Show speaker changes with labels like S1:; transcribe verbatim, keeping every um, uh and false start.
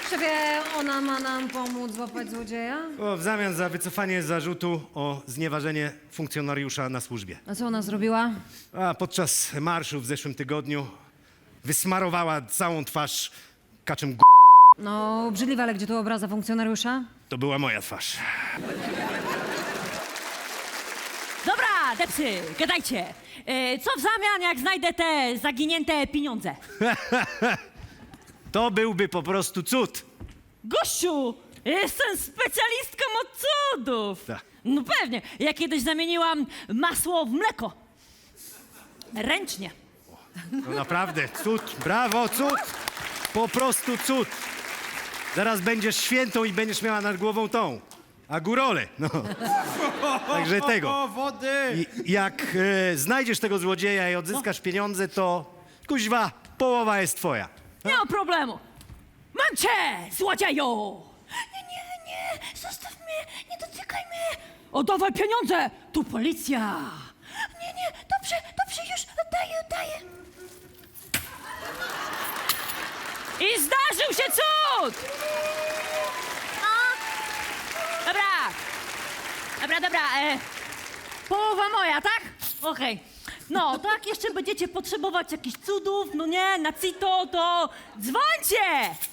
S1: Szefie, ona ma nam pomóc złapać złodzieja?
S2: O, w zamian za wycofanie zarzutu o znieważenie funkcjonariusza na służbie.
S1: A co ona zrobiła?
S2: A podczas marszu w zeszłym tygodniu wysmarowała całą twarz kaczym g...
S1: No, obrzydliwe, ale gdzie tu obraza funkcjonariusza?
S2: To była moja twarz.
S3: Dobra, depsy, gadajcie. E, co w zamian, jak znajdę te zaginięte pieniądze?
S2: To byłby po prostu cud.
S3: Gościu, jestem specjalistką od cudów.
S2: Tak.
S3: No pewnie, ja kiedyś zamieniłam masło w mleko. Ręcznie.
S2: No naprawdę, cud, brawo, cud. Po prostu cud. Zaraz będziesz świętą i będziesz miała nad głową tą, a górole, no. Także tego.
S4: O, wody!
S2: I jak e, znajdziesz tego złodzieja i odzyskasz pieniądze, to kuźwa, połowa jest twoja.
S3: Nie ma problemu. Mam cię, złodzieju! Nie, nie, nie, zostaw mnie, nie dotykaj mnie. Oddawaj pieniądze, tu policja. Nie, nie, dobrze, dobrze, już oddaję, oddaję. I zdarzył się cud! No. Dobra, dobra, dobra, e, połowa moja, tak? Okej. No, tak, jeszcze będziecie potrzebować jakichś cudów, no nie, na cito, to dzwońcie!